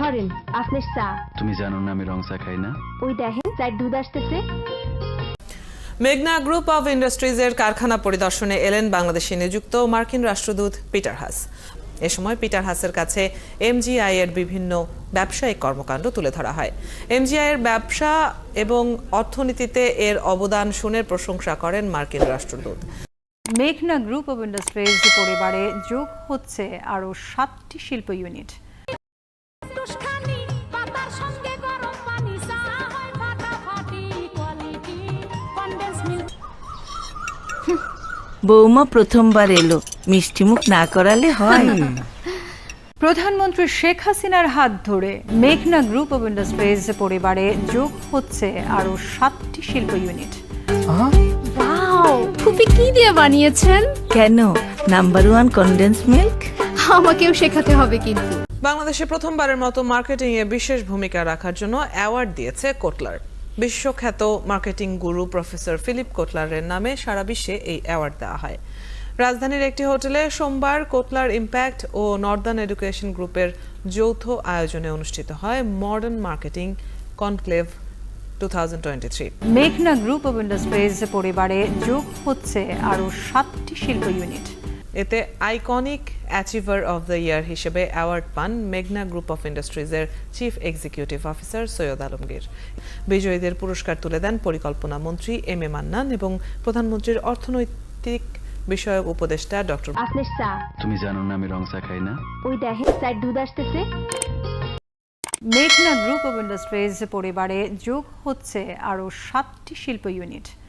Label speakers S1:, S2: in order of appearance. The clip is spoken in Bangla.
S1: ধরেন আপনার চা।
S2: তুমি জানো না আমি রং চা খাই না?
S1: ওই দেখেন চায়ের দুধ আসতেছে।
S3: মেঘনা গ্রুপ অব ইন্ডাস্ট্রিজের কারখানা পরিদর্শনে এলেন বাংলাদেশে নিযুক্ত মার্কিন রাষ্ট্রদূত পিটার হাস। এ সময় পিটার হাসের কাছে এমজিআই এর বিভিন্ন ব্যবসায়িক কর্মকাণ্ড তুলে ধরা হয়। এমজিআই এর ব্যবসা এবং অর্থনীতিতে এর অবদান শুনে প্রশংসা করেন মার্কিন রাষ্ট্রদূত।
S4: মেঘনা গ্রুপ অব ইন্ডাস্ট্রিজ পরিবারে যোগ হচ্ছে আরও 7টি শিল্প ইউনিট।
S5: বৌমা প্রথমবার এলো, মিষ্টিমুখ না করালে হয়?
S4: প্রধানমন্ত্রী শেখ হাসিনার হাত ধরে মেঘনা গ্রুপ অব ইন্ডাস্ট্রিজ পরিবারে যোগ হচ্ছে আরও 7টি শিল্প ইউনিট।
S6: ওয়াও, ফুপি কি দিয়ে বানিয়েছেন?
S5: কেন, নাম্বার 1 কনডেন্স মিল্ক।
S6: আমাকেও শেখাতে হবে কিন্তু।
S3: বাংলাদেশে প্রথমবারের মতো মার্কেটিং এ বিশেষ ভূমিকা রাখার জন্য অ্যাওয়ার্ড দিয়েছে কোটলার। বিশ্বখ্যাত মার্কেটিং গুরু প্রফেসর ফিলিপ কোটলারের নামে সারা বিশ্বে এই অ্যাওয়ার্ড দেওয়া হয়। রাজধানীর একটি হোটেলে সোমবার কোটলার ইম্প্যাক্ট ও নর্দার্ন এডুকেশন গ্রুপের যৌথ আয়োজনে অনুষ্ঠিত হয় মডার্ন মার্কেটিং কনক্লেভ 2023।
S4: মেঘনা গ্রুপ অব ইন্ডাস্ট্রিজ পরিবারে যোগ হচ্ছে আরও 7টি শিল্প ইউনিট।
S3: এতে iconic achiever of the year হিসেবে অ্যাওয়ার্ড পান মেঘনা গ্রুপ অফ ইন্ডাস্ট্রিজের chief executive officer Syed Alamgir. বিজয়ীদের পুরস্কার তুলে দেন পরিকল্পনা মন্ত্রী এম এ মান্নান এবং প্রধানমন্ত্রীর অর্থনৈতিক বিষয়ক উপদেষ্টা ডক্টর।
S1: আপনার চা।
S2: তুমি জানো না আমি রং চা খাই না?
S1: ওই দেখেন চায়ের দুধ আসতেছে।
S4: মেঘনা গ্রুপ অব ইন্ডাস্ট্রিজ পরিবারে যোগ হচ্ছে আরও 7টি শিল্প ইউনিট।